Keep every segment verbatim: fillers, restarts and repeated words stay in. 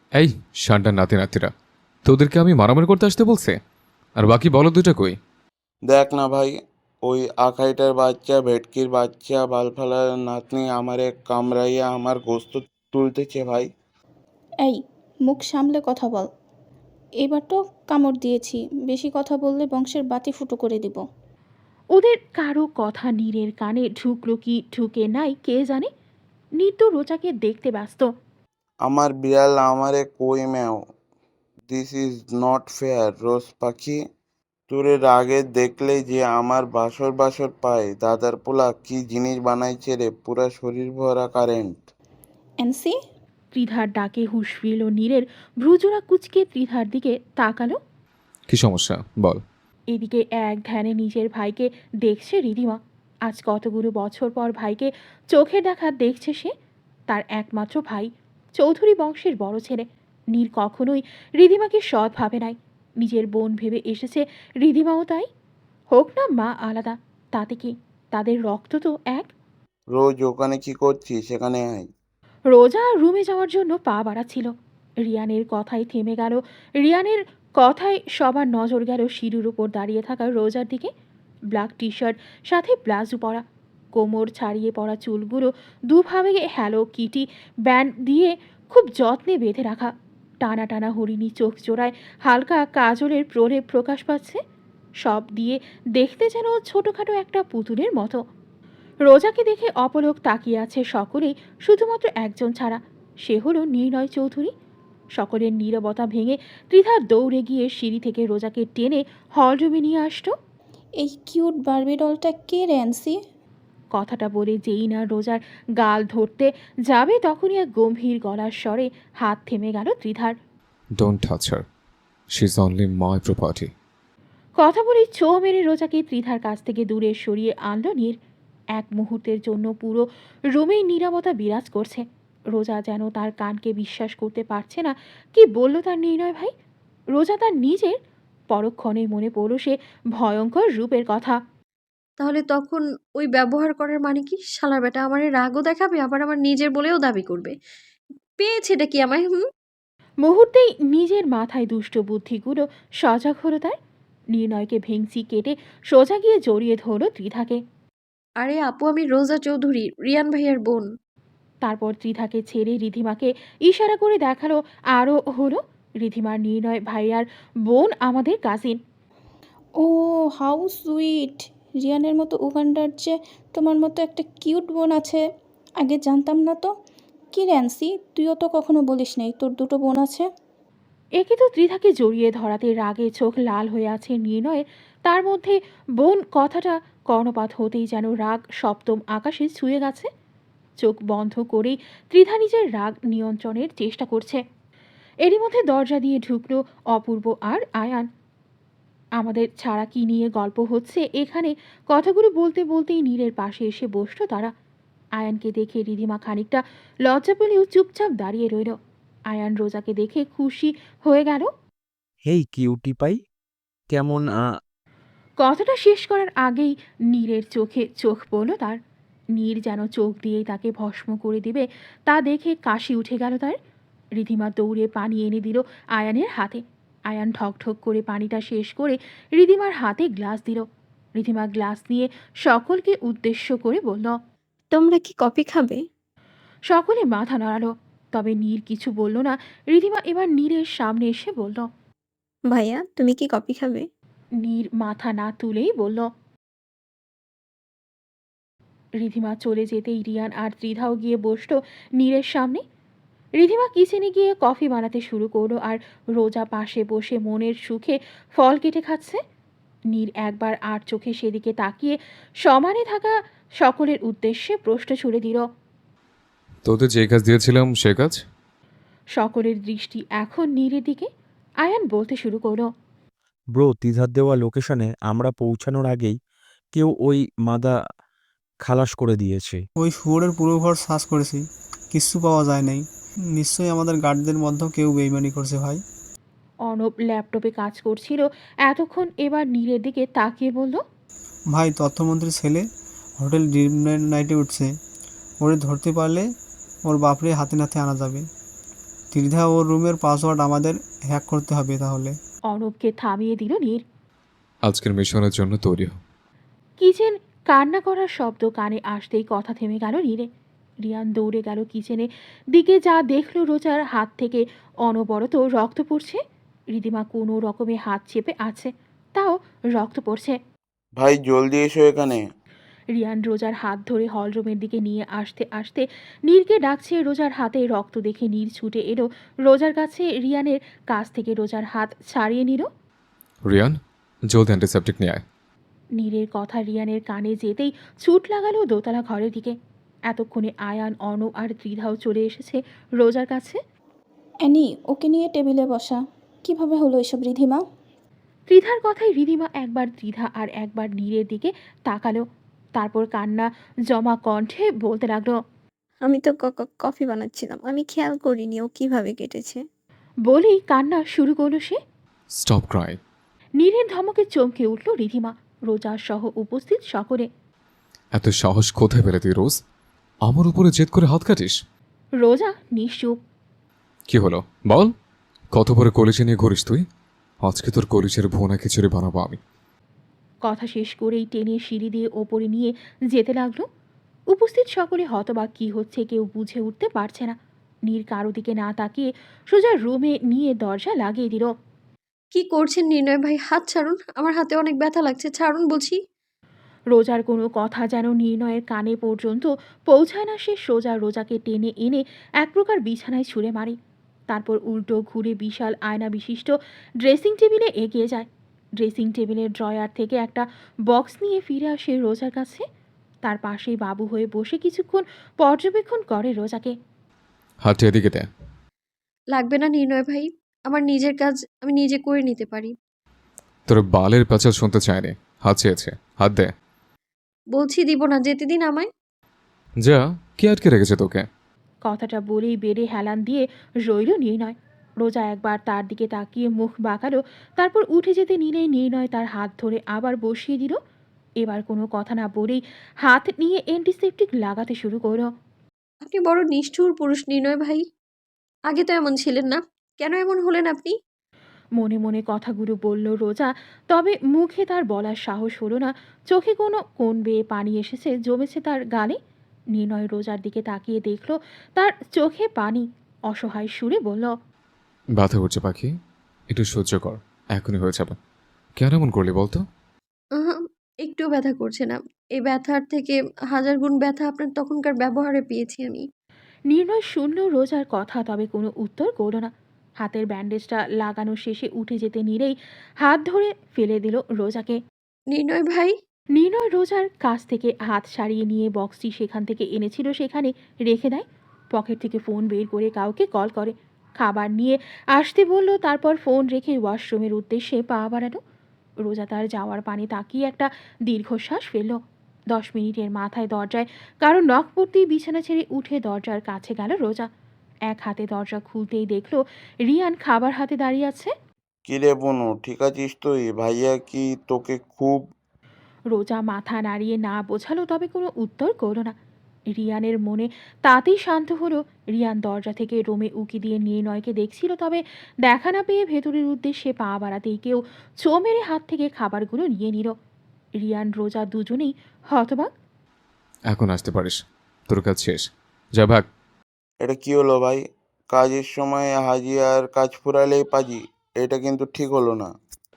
এই শানটার নাতি নাতিরা, তোদেরকে আমি মারামারি করতে আসতে বলছে? আর বাকি বলো দুটা কই? দেখ না ভাই, ওই আখাইটার বাচ্চা, ভেটকির বাচ্চা, বালফালার নাতনি আমারে কামড়াইয়া আমার গোস্ত তুলতেছে ভাই। এই, মুখ সামলে কথা বল। এবার তো কামড় দিয়েছি, বেশি কথা বললে বংশের বাতি ফুটো করে দিব। ওদের কারো কথা নীরের কানে ঢুকলো কি ঢুকে নাই কে জানে। নীর তো রোজাকে দেখতে ব্যস্ত। আমার বিড়াল আমারে কই ম্যাও, দিস ইজ নট ফেয়ার। রোজ পাখি, তোরে রাগে দেখলে যে আমার বাসর বাসর পায়। দাদার পোলা কি জিনিস বানাইছে রে, পুরা শরীর ভরা কারেন্ট। এনসি, ত্রিধার ডাকে হুঁশ ফিরল নীরের। ভ্রুজোড়া কুচকে ত্রিধার দিকে তাকালো। কি সমস্যা বল। এদিকে এক ধ্যানে নিজের ভাইকে দেখছে রিধিমা। আজ কতগুলো বছর পর ভাইকে চোখের দেখা দেখছে সে। তার একমাত্র ভাই, চৌধুরী বংশের বড় ছেলে। নীর কখনোই রিধিমাকে সৎ ভাবে নাই, নিজের বোন ভেবে এসেছে। রিধিমাও তাই। হোক না মা আলাদা, তাতে কি, তাদের রক্ত তো এক। রোজ ওখানে কি করছিস, সেখানে আয়। রোজা রুমে যাওয়ার জন্য পা বাড়াচ্ছিল। রিয়ানের কথাই থেমে গেল। রিয়ানের কথায় সবার নজর গেল সিঁড়ির উপর দাঁড়িয়ে থাকা রোজার দিকে। ব্ল্যাক টি শার্ট, সাথে ব্লাউজও পরা, কোমর ছাড়িয়ে পড়া চুলগুলো দুভাবে হ্যালো কিটি ব্যান্ড দিয়ে খুব যত্নে বেঁধে রাখা। টানা টানা হরিণী চোখ জোড়ায় হালকা কাজলের প্রলেপ প্রকাশ পাচ্ছে। সব দিয়ে দেখতে যেন ছোটোখাটো একটা পুতুলের মতো। রোজাকে দেখে অপলক তাকিয়ে আছে সকলেই, শুধুমাত্র একজন ছাড়া, সে হলো নির্ণয় চৌধুরী। সকলের নীরবতা ভেঙে ত্রিধা দৌড়ে গিয়ে সিঁড়ি থেকে রোজাকে টেনে হলরুমে নিয়ে আসতো। এই কিউট বার্বি ডলটা কে রে এনসি? কথাটা বলে যেই না রোজার গাল ধরতে যাবে তখনই এক গম্ভীর গলার স্বরে হাত থেমে গেল ত্রিধার। Don't touch her, she is only my property. কথা বলে ছো মেরে রোজাকে ত্রিধার কাছ থেকে দূরে সরিয়ে আনলো নীর। এক মুহূর্তের জন্য পুরো রুমেই নীরবতা বিরাজ করছে। রোজা যেন তার কানকে বিশ্বাস করতে পারছে না। কি বলল তার নির্ণয় ভাই? রোজা তার নিজের। পরক্ষণে মনে পড়ল সে ভয়ঙ্কর রূপের কথা। তাহলে তখন ওই ব্যবহার করার মানে কি? শালার বেটা আমারে রাগও দেখাবে, আবার আমার নিজের বলেও দাবি করবে। পেয়েছেটা কি আমায়? হুম। মুহূর্তেই নিজের মাথায় দুষ্ট বুদ্ধিগুলো সজাগ হলো তার। নির্ণয়কে ভেংচি কেটে সোজা গিয়ে জড়িয়ে ধরল ত্রিধাকে। আরে আপু, আমি রোজা চৌধুরী, রিয়ান ভাইয়ার বোন। তারপর ত্রিধাকে ছেড়ে রিধিমাকে ইশারা করে দেখালো আরও হলো, রিধিমার নির্ণয় ভাইয়ার বোন, আমাদের কাজিন। ও, হাউ সুইট। রিয়ানের মতো উগান্ডার যে তোমার মতো একটা কিউট বোন আছে, আগে জানতাম না তো। কি রে এনসি, তুইও তো কখনো বলিস নাই তোর দুটো বোন আছে। একে তো ত্রিধাকে জড়িয়ে ধরাতে রাগে চোখ লাল হয়ে আছে নির্ণয়ের। তার মধ্যে বোন কথাটা কর্ণপাত হতেই যেন রাগ সপ্তম আকাশে ছুঁয়ে গেছে। চোখ বন্ধ করেই ত্রিধা নিজের রাগ নিয়ন্ত্রণের চেষ্টা করছে। এরই মধ্যে দরজা দিয়ে ঢুকলো অপূর্ব আর আয়ান। আমাদের ছাড়া কি নিয়ে গল্প হচ্ছে এখানে, কথাগুলো বলতে বলতেই নীরের পাশে এসে বসলো তারা। আয়ানকে দেখে রিধিমা খানিকটা লজ্জা পেলেও চুপচাপ দাঁড়িয়ে রইল। আয়ান রোজাকে দেখে খুশি হয়ে গেল। হেই কিউটি পাই, কেমন আ কথাটা শেষ করার আগেই নীরের চোখে চোখ পড়ল তার। নীর যেন চোখ দিয়েই তাকে ভস্ম করে দিবে, তা দেখে কাশি উঠে গেল তার। রিধিমা দৌড়ে পানি এনে দিল আয়ানের হাতে। আয়ান ঠকঠক করে পানিটা শেষ করে রিধিমার হাতে গ্লাস দিল। রিধিমা গ্লাস নিয়ে সকলকে উদ্দেশ্য করে বলল, তোমরা কি কফি খাবে? সকলে মাথা নাড়ালো, তবে নীর কিছু বলল না। রিধিমা এবার নীরের সামনে এসে বলল। ভাইয়া, তুমি কি কফি খাবে? নীর মাথা না তুলেই বলল। রিধিমা চলে যেতেই রিয়ান আর ত্রিধাও গিয়ে বসলো নীরের সামনে। রিধিমা কিচেনে গিয়ে কফি বানাতে শুরু করলো আর রোজা পাশে বসে মনের সুখে ফল কেটে খাচ্ছে। নীর একবার আর চোখে সেদিকে তাকিয়ে সমানে থাকা সকলের উদ্দেশ্যে প্রশ্ন ছুড়ে দিল। তোদের যে কাজ দিয়েছিলাম সে কাজ? সকলের দৃষ্টি এখন নীরের দিকে। আয়ান বলতে শুরু করলো। ব্রো, তিধার দেওয়া লোকেশনে আমরা পৌঁছানোর আগেই কেউ ওই মাদা খালাস করে দিয়েছে। ওই শুয়োরের পুরো ঘর সার্চ করেছি, কিচ্ছু পাওয়া যায় নাই। নিশ্চয়ই আমাদের গার্ডদের মধ্যেও কেউ বেইমানি করছে ভাই। অর্ণব ল্যাপটপে কাজ করছিল এতক্ষণ, এবার নীরের দিকে তাকিয়ে বলল। ভাই, তথ্যমন্ত্রীর ছেলে হোটেল ড্রিম নাইটে উঠছে। ওরে ধরতে পারলে ওর বাপরে হাতে নাতে আনা যাবে। ত্রিধা ওর রুমের পাসওয়ার্ড আমাদের হ্যাক করতে হবে তাহলে। অর্ণবকে থামিয়ে দিল নীর। আজকের মিশনের জন্য তৈরি হও। কিচেন কান্না করার শব্দ কানে আসতেই কথা থেমে গেল নীরে। রিয়ান দৌড়ে গেল কিচেনে দিকে, যা দেখলো রোজার হাত থেকে অনবরত রক্ত পড়ছে। রিদিমা কোনো রকমে হাত চেপে আছে, তাও রক্ত পড়ছে। ভাই জলদি এসো এখানে। রিয়ান রোজার হাত ধরে হলরুমের দিকে নিয়ে আসতে আসতে নীরকে ডাকছে। রোজার হাতে রক্ত দেখে নীর ছুটে এলো রোজার কাছে। রিয়ানের কাছ থেকে রোজার হাত ছাড়িয়ে নিল। রিয়ান, জলদি অ্যান্টিসেপটিক নিয়ে আয়। নীরের কথা রিয়ানের কানে যেতেই ছুট লাগালো দোতলা ঘরের দিকে। এতক্ষণে আয়ান, অর্ণব আর ত্রিধাও চলে এসেছে রোজার কাছে। অ্যানি, ওকে নিয়ে টেবিলে বসা। কিভাবে হলো এসব রিধিমা? ত্রিধার কথায় রিধিমা একবার ত্রিধা আর একবার নীরের দিকে তাকালো, তারপর কান্না জমা কণ্ঠে বলতে লাগলো। আমি তো ক- ক- কফি বানাচ্ছিলাম, আমি খেয়াল করিনি ও কিভাবে কেটেছে। বলেই কান্না শুরু করলো সে। Stop Cry. নীরের ধমকে চমকে উঠল রিধিমা, রোজা সহ উপস্থিত সকলে। এত সাহস কোথায় পেলে তুই রোজ? আমার উপরে জেদ করে হাত কাটিস? রোজা নিশ্চুপ। কি হলো বল? কত বড় কলিজে নিয়ে ঘুরিস তুই? আজকে তোর কলিজের ভুনা খিচুড়ি বানাবো আমি। কথা শেষ করেই টেনে সিঁড়ি দিয়ে ওপরে নিয়ে যেতে লাগলো। উপস্থিত সকলে হতবাক, কি হচ্ছে কেউ বুঝে উঠতে পারছে না। নীর কারো দিকে না তাকিয়ে সোজা রুমে নিয়ে দরজা লাগিয়ে দিল। কি করছেন নির্ণয় ভাই? হাত ছাড়ুন, আমার হাতে অনেক ব্যথা লাগছে, ছাড়ুন বলছি। রোজার কোনো কথা যেন নির্ণয়ের কানে পর্যন্ত পৌঁছায় না। সে সোজা রোজাকে টেনে এনে এক প্রকার বিছানায় ছুঁড়ে মারে, তারপর উল্টো ঘুরে বিশাল আয়না বিশিষ্ট ড্রেসিং টেবিলে এগিয়ে যায়। ড্রেসিং টেবিলের ড্রয়ার থেকে একটা বক্স নিয়ে ফিরে আসে রোজার কাছে। তার পাশেই বাবু হয়ে বসে কিছুক্ষণ পর্যবেক্ষণ করে রোজাকে। হাতটা এদিকে দে। লাগবে না নির্ণয় ভাই, আমার নিজের কাজ আমি নিজে করে নিতে পারি। তোর বালের প্যাচাল শুনতে চায়নি, হাত চেয়েছে, হাত দে। বলছি দিব না, যেতে দিন আমায়। যা, কে আটকে রেখেছে তোকে? কথাটা বলেই বেডে হেলান দিয়ে রইল নির্ণয়। রোজা একবার তার দিকে তাকিয়ে মুখ বাঁকালো, তারপর উঠে যেতে নিলেই নির্ণয় তার হাত ধরে আবার বসিয়ে দিল। এবার কোনো কথা না বলেই হাত নিয়ে অ্যান্টিসেপটিক লাগাতে শুরু করলো। আপনি বড় নিষ্ঠুর পুরুষ নির্ণয় ভাই, আগে তো এমন ছিলেন না, কেন এমন হলেন আপনি? মনে মনে কথাগুলো বলল রোজা, তবে মুখে তার বলার সাহস হলো না। চোখে কোনো কোণ বেয়ে পানি এসেছে, জমেছে তার গালে। নির্ণয় রোজার দিকে তাকিয়ে দেখল তার চোখে পানি। অসহায় সুরে বলল, ব্যথা করছে পাখি, একটু সহ্য কর, এখনই হয়ে যাবে। কেন এমন করলি বলতো? আহা, একটুও ব্যথা করছে না। এই ব্যথার থেকে হাজার গুণ ব্যথা আপনার তখনকার ব্যবহারে পেয়েছি আমি। নির্ণয় শুনল রোজার কথা, তবে কোনো উত্তর করল না। হাতের ব্যান্ডেজটা লাগানো শেষে উঠে যেতে নিলেই হাত ধরে ফেলে দিল রোজাকে। নির্ণয় ভাই, নির্ণয় রোজার কাছ থেকে হাত সারিয়ে নিয়ে বক্সটি সেখান থেকে এনেছিল সেখানে রেখে দেয়। পকেট থেকে ফোন বের করে কাউকে কল করে, খাবার নিয়ে আসতে বলল, তারপর ফোন রেখে ওয়াশরুমের উদ্দেশ্যে পা বাড়ানো। রোজা তার যাওয়ার পানে তাকিয়ে একটা দীর্ঘশ্বাস ফেলল। দশ মিনিটের মাথায় দরজায় কারো নখ পড়তেই বিছানা ছেড়ে উঠে দরজার কাছে গেল রোজা। এক হাতে দরজা খুলতেই দেখলো রিয়ান খাবার হাতে দাঁড়িয়ে আছে। কিরে বনু, ঠিক আছিস তুই? ভাইয়া কি তোকে খুব... রোজা মাথা নাড়িয়ে না বোঝালো, তবে কোনো উত্তর করল না। রিয়ানের মনে তাতেই শান্ত হলো। রিয়ান দরজা থেকে রুমে উকি দিয়ে নির্ণয়কে দেখছিল, তবে দেখা না পেয়ে ভেতরের উদ্দেশ্যে পা বাড়াতেই কেউ ছো মেরে হাত থেকে খাবারগুলো নিয়ে নিল। রিয়ান রোজা দুজনেই হতবাক। এখন আসতে পারিস, তোর কাজ শেষ, যা ভাগ। এটা কি হলো ভাই? কাজের সময় হাজি আর কাজ ফুরালেই পাজি, এটা কিন্তু ঠিক হলো না।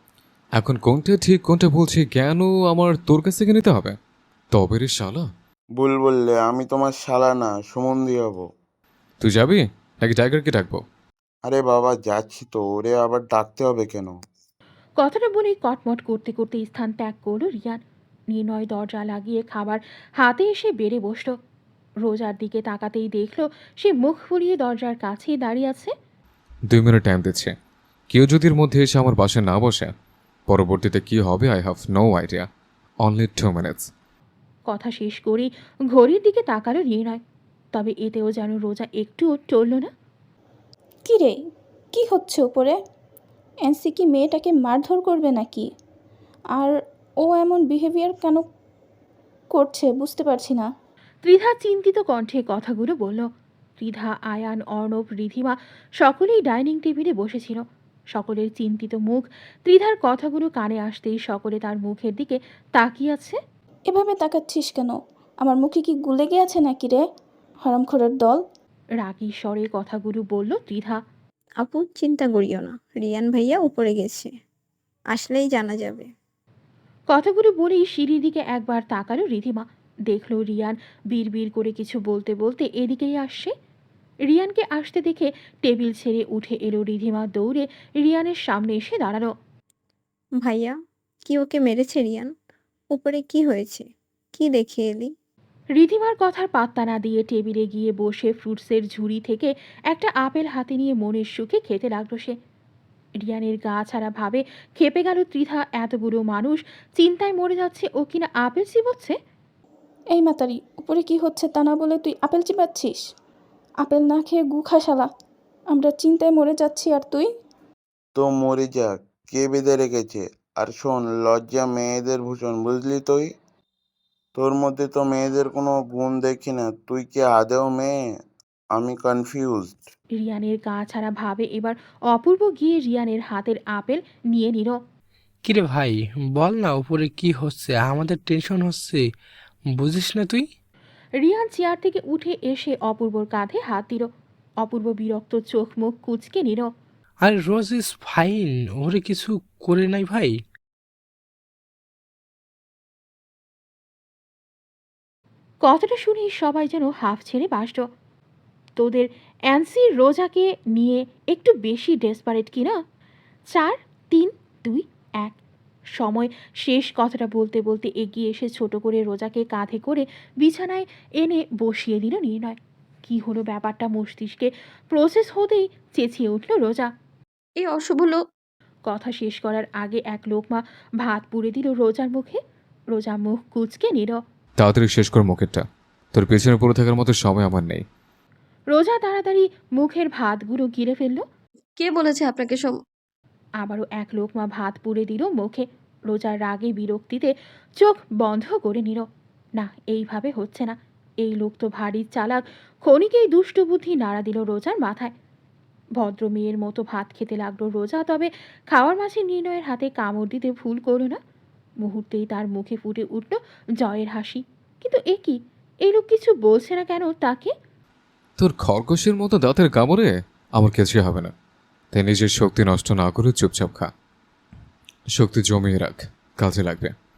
এখন কোনটা ঠিক কোনটা বলছি কেন আমার তোর কাছ থেকে নিতে হবে? তবে রে শালা। ভুল বললে, আমি তোমার শালা না, সুমন্দি হব। তুই যাবি নাকি টাইগারকে ডাকবো? আরে বাবা যাচ্ছি তো, ওরে আবার ডাকতে হবে কেন? কথাটা বলেই কটমট করতে করতে স্থান ত্যাগ করলো রিয়ান। নির্ণয় দরজা লাগিয়ে খাবার হাতে এসে বেড়ে বসল। রোজার দিকে তাকাতেই দেখলো সে মুখ ফুলিয়ে দরজার কাছেই দাঁড়িয়ে আছে। দুই মিনিট টাইম দিচ্ছে, কেউ যদি এর মধ্যে এসে আমার পাশে না বসে, পরবর্তীতে কি হবে I have no idea. Only two minutes. কথা শেষ করেই ঘড়ির দিকে তাকালো নির্ণয়, তবে এতেও যেন রোজা একটুও টলল না। কি রে, কি হচ্ছে উপরে? এনসি কি মেয়েটাকে মারধর করবে নাকি? আর ও এমন বিহেভিয়ার কেন করছে বুঝতে পারছি না। ত্রিধা চিন্তিত কণ্ঠে কথাগুলো বলল। ত্রিধা, আয়ান, অর্ণব, রিধিমা সকলেই ডাইনিং টেবিলে বসেছিল। সকলের চিন্তিত মুখ। ত্রিধার কথাগুলো কানে আসতেই সকলে তার মুখের দিকে তাকিয়ে আছে। এভাবে তাকাচ্ছিস কেন? আমার মুখে কি গুলে গিয়েছে নাকি রে, হারামখোরের দল? রাগী স্বরে কথাগুলো বলল ত্রিধা। আপু চিন্তা করিও না, রিয়ান ভাইয়া উপরে গেছে, আসলেই জানা যাবে। কথাগুলো বলেই সিঁড়ির দিকে একবার তাকালো রিধিমা। দেখলো রিয়ান বিড়বিড় করে কিছু বলতে বলতে এদিকেই আসছে। রিয়ানকে আসতে দেখে টেবিল ছেড়ে উঠে এলো রিধিমা। দৌড়ে রিয়ানের সামনে এসে দাঁড়ালো। ভাইয়া, কি ওকে মেরেছে রিয়ান? উপরে কি হয়েছে? কি দেখে এলি? রিধিমার কথার পাত্তা না দিয়ে টেবিলে গিয়ে বসে ফ্রুটসের ঝুড়ি থেকে একটা আপেল হাতে নিয়ে মনের সুখে খেতে লাগলো সে। রিয়ানের গা ছাড়া ভাবে খেপে গেল ত্রিধা। এতগুলো মানুষ চিন্তায় মরে যাচ্ছে, ও কিনা আপেল চিবোচ্ছে। এই মাতারি, উপরে কি হচ্ছে তা না বলে তুই আপেল চিবাচ্ছিস? আপেল না খেয়ে গু খা শালা। আমরা চিন্তায় মরে যাচ্ছি আর তুই? তো মরে যাক, কে বেঁধে রেখেছে? আর শোন, লজ্জা মেয়েদের ভূষণ, বুঝলি তুই? তোর মধ্যে তো মেয়েদের কোনো গুণ দেখি না। তুই কি আদেও মেয়ে? আমি কনফিউজড। রিয়ানের গা ছাড়া ভাবে এবার অপূর্ব গিয়ে রিয়ানের হাতের আপেল নিয়ে নিল। কিরে ভাই, বল না উপরে কি হচ্ছে? আমাদের টেনশন হচ্ছে, বুঝিস না তুই? রিয়ান চেয়ার থেকে উঠে এসে অপূর্বর কাঁধে হাত দিল। অপূর্ব বিরক্ত চোখ মুখ কুঁচকে নিল। আর রোজ ইজ ফাইন, ওরে কিছু করে নাই ভাই। কথাটা শুনেই সবাই যেন হাফ ছেড়ে বাসল। তোদের অ্যান্সি রোজাকে নিয়ে একটু বেশি ডেসপারেট কিনা? চার, তিন, দুই, এক। সময় শেষ। কথাটা বলতে বলতে এগিয়ে এসে ছোট করে রোজাকে কাঁধে করে বিছানায় এনে বসিয়ে দিল নির্ণয়। কি হলো ব্যাপারটা মস্তিষ্কে প্রসেস হতেই চেঁচিয়ে উঠল রোজা। এই অশুভ লোক। কথা শেষ করার আগে এক লোকমা ভাত পুড়ে দিল রোজার মুখে। রোজা মুখ কুঁচকে নিল। তাড়াতাড়ি শেষ কর মুখেরটা, তোর পেছনে পড়ে থাকার মতো সময় আমার নেই। রোজা তাড়াতাড়ি মুখের ভাতগুলো গিলে ফেলল। কে বলেছে আপনাকে সব? আবারও এক লোকমা ভাত পুড়ে দিল মুখে। রোজার রাগে বিরক্তিতে চোখ বন্ধ করে নিল। না, এইভাবে হচ্ছে না। এই লোক তো ভারী চালাক। ক্ষণিকেই দুষ্টু বুদ্ধি নাড়া দিল রোজার মাথায়। ভদ্র মেয়ের মতো ভাত খেতে লাগলো রোজা। তবে খাওয়ার মাঝে নির্ণয়ের হাতে কামড় দিতে ভুল করল না। মুহূর্তেই তার মুখে ফুটে উঠল জয়ের হাসি। কিন্তু এ কি, এই লোক কিছু বলছে না কেন তাকে? তোর খরগোশের মতো দাঁতের কামড়ে আমার কিছুই হবে না, তাই নিজের শক্তি নষ্ট না করে চুপচাপ খা। শক্তি জমিয়ে রাখ, কাজে লাগবে।